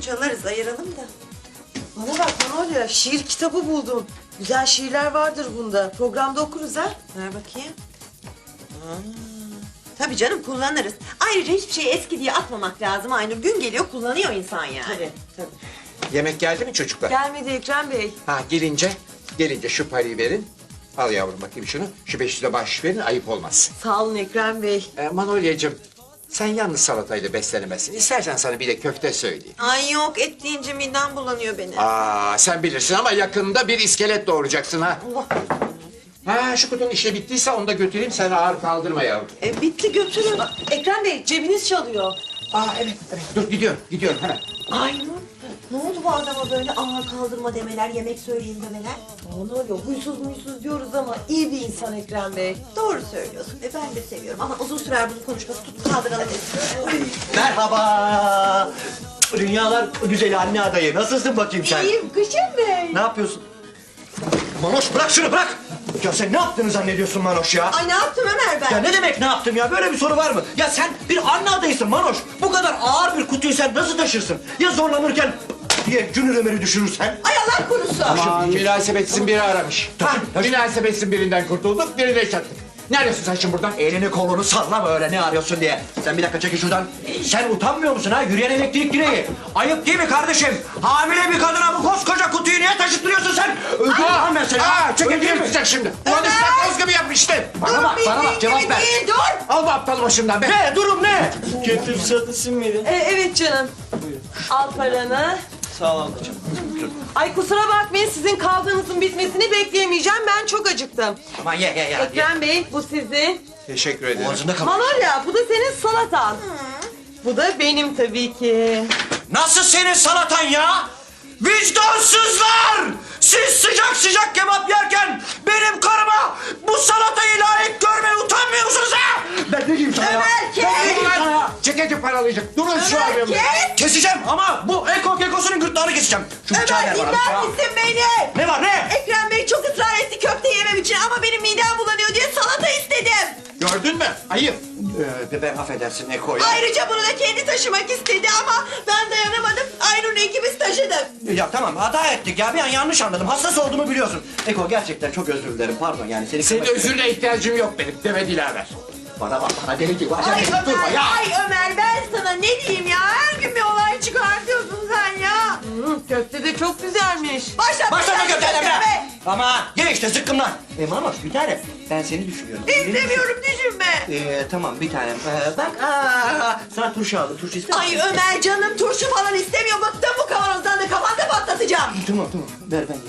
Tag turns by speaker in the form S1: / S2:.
S1: çalarız, ayıralım da.
S2: Bana bak Manolya, şiir kitabı buldum. Güzel şiirler vardır bunda. Programda okuruz ha.
S1: Ver bakayım. Tabii canım, kullanırız. Ayrıca hiçbir şeyi eski diye atmamak lazım Aynur. Gün geliyor kullanıyor insan yani.
S2: Tabii.
S3: Yemek geldi mi çocuklar?
S2: Gelmedi Ekrem Bey.
S3: Ha gelince şu parayı verin. Al yavrum bakayım şunu. Şu 500'e bahşiş verin, ayıp olmaz.
S2: Sağ olun Ekrem Bey.
S3: Manolya'cığım, sen yalnız salatayla beslenemezsin. İstersen sana bir de köfte söyleyeyim.
S1: Ay yok, et deyince midem bulanıyor benim.
S3: Sen bilirsin ama yakında bir iskelet doğuracaksın ha.
S1: Allah.
S3: Ha, şu kutunun işi bittiyse onu da götüreyim, sen ağır kaldırma yavrum.
S1: Bitti, götürün.
S2: Ekrem Bey, cebiniz çalıyor.
S3: Evet. Dur gidiyorum hemen.
S1: Aynur, ne oldu bu adama böyle ağır kaldırma demeler, yemek söyleyin demeler?
S2: Manolya, huysuz diyoruz ama iyi bir insan Ekrem Bey.
S1: Doğru söylüyorsun. Ben de seviyorum ama uzun sürer bunun konuşması. Tut kaldıralım.
S4: Merhaba. Dünyalar güzeli anne adayı. Nasılsın bakayım sen?
S2: İyiyim Kışın Bey.
S4: Ne yapıyorsun? Manoş bırak şunu bırak. Ya sen ne yaptığını zannediyorsun Manoş ya?
S1: Ay ne yaptım Ömer ben?
S4: Ya ne demek ne yaptım ya? Böyle bir soru var mı? Ya sen bir anne adayısın Manoş. Bu kadar ağır bir kutuyu sen nasıl taşırsın? Ya zorlanırken diye Cünür Ömer'i düşürürsen?
S1: Ay Allah korusun.
S3: Aman münasebetsiz biri aramış.
S4: Tabii.
S3: Münasebetsiz birinden kurtulduk, birine çattık. Ne arıyorsun sen şimdi buradan?
S4: Elini kolunu sallama öyle ne arıyorsun diye. Sen bir dakika çekil şuradan. Sen utanmıyor musun ha? Yürüyen elektrik direği. Ayıp değil mi kardeşim? Hamile bir kadına bu koskoca kutuyu niye taşıttırıyorsun sen? Öldürürüm ben seni.
S3: Çekil
S4: Öldürürüm.
S3: tutacak şimdi. Ulan ıslak gibi yapmıştın.
S4: Bana bak cevap ver.
S1: Değil, dur.
S3: Al bu aptalı başımdan be.
S4: Ne durum ne?
S5: Kötü satırsın mıydı?
S2: Evet canım. Al paranı.
S5: Sağ ol ablacığım.
S2: Ay kusura bakmayın, sizin kavganızın bitmesini bekleyemeyeceğim. Ben çok acıktım.
S4: Aman ye.
S2: Ekrem Bey, bu sizin.
S3: Teşekkür ederim.
S4: Boğazında kal.
S2: Manolya, bu da senin salatan. Bu da benim tabii ki.
S4: Nasıl senin salatan ya? Vicdansızlar! Siz sıcak sıcak kebap yerken benim karıma bu salatayı layık görmeye utanmıyor musunuz ha? Ben ne diyeyim sana ya?
S1: Ömer, kes!
S4: Ben ne diyeyim sana ya?
S3: Ceketi paralayacak. Durun şu
S1: Ömer,
S3: abimle.
S1: kes!
S4: Keseceğim ama bu ekosunun gırtlağını keseceğim. Şu bıçağı
S1: Ömer
S4: ver bana.
S1: dinler misin beni?
S4: Ne var ne?
S1: Ekrem Bey çok ısrar etti köfte yemem için ama benim midem bulanıyor diye salata istedim.
S3: Gördün mü? Ayıp.
S4: Ben affedersin Eko ya.
S1: Ayrıca bunu da kendi taşımak istedi ama ben dayanamadım. Aynur'la ikimiz taşıdık.
S4: Ya tamam hata ettik ya bir an yanlış anladım. Hassas olduğumu biliyorsun. Eko gerçekten çok özür dilerim pardon yani seni...
S3: Senin özürüne ihtiyacım yok benim. Deme Dilaver.
S4: Bana bak bana deli gibi.
S1: Ay
S4: Acele durma
S1: Ömer,
S4: ya.
S1: ay Ömer ben sana ne diyeyim ya? Her gün bir olay çıkartıyorsun sen ya.
S2: Köfte de çok güzelmiş.
S4: Başlama köfteden
S1: köfte
S4: be. Ama ye işte zıkkımlan. Manoş bir tane ben seni düşünüyorum.
S1: İstemiyorum düşünme.
S4: Tamam bir tane. Bak sana turşu aldım. Turşu ister misin?
S1: Ay Ömer canım turşu falan istemiyor. Bıktım bu kavanozdan da kafanda patlatacağım.
S4: Tamam ver ben.